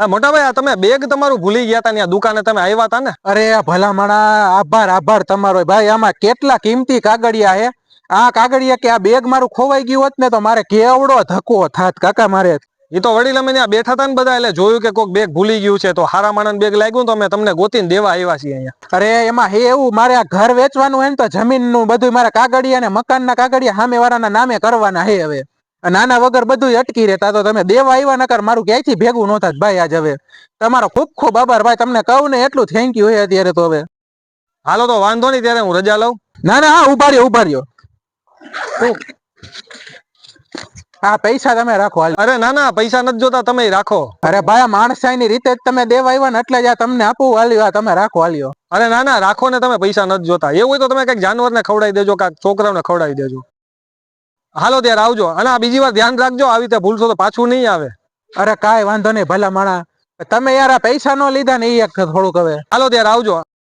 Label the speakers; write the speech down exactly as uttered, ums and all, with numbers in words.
Speaker 1: મોટા ભાઈ આ તમે બેગ તમારું ભૂલી ગયા હતા, દુકાને તમે આવ્યા હતા ને?
Speaker 2: અરે ભલા માણા, આભાર આભાર તમારો ભાઈ. આમાં કેટલા કિંમતી કાગળિયા હે. આ કાગળિયા કે આ બેગ મારું ખોવાઈ ગયું હોત ને તો મારે કેવડો ધક્કો થાત કાકા મારે.
Speaker 1: એ તો વડીલ અમે ત્યાં બેઠા હતા ને બધા, એટલે જોયું કે કોઈક બેગ ભૂલી ગયું છે, તો હારા માણસ બેગ લાગ્યું તો અમે તમને ગોતીને દેવા આવ્યા છીએ અહીંયા.
Speaker 2: અરે એમાં હે એવું, મારે આ ઘર વેચવાનું હોય ને તો જમીન નું બધું મારા કાગળિયા ને મકાન ના કાગળિયા સામે વાળાના નામે કરવાના હે. હવે નાના વગર બધું અટકી રહેતા, તો તમે દેવા આવ્યા નકર મારું ક્યાંયથી ભેગું ન થાત ભાઈ. આજ હવે તમારો ખૂબ ખૂબ આભાર ભાઈ. તમને કહું ને એટલું થેન્ક યુ હે અત્યારે તો. હવે
Speaker 1: હાલો તો વાંધો નહીં, ત્યારે હું રજા લઉં.
Speaker 2: ના ના હા, ઉભા રહ્યો ઉભા રહ્યો. હા પૈસા તમે રાખો.
Speaker 1: અરે ના ના, પૈસા નથી જોતા, તમે રાખો.
Speaker 2: અરે ભાઈ માણસાઈની રીતે જ તમે દેવા આવ્યા ને એટલે જ આ તમને આપું. હાલ્યો તમે રાખો હાલ્યો.
Speaker 1: અરે ના ના રાખો ને, તમે પૈસા નથી જોતા. એવું હોય તો તમે કઈક જાનવરને ખવડાવી દેજો, કાંઈક છોકરાઓને ખવડાવી દેજો. હાલો ત્યારે આવજો, અને આ બીજી વાર ધ્યાન રાખજો, આવી રીતે ભૂલશો તો પાછું નહીં આવે.
Speaker 2: અરે કાંઈ વાંધો નહીં ભલા માણા. તમે યાર આ પૈસા નો લીધા ને એ થોડુંક. હવે
Speaker 1: હાલો ત્યારે આવજો.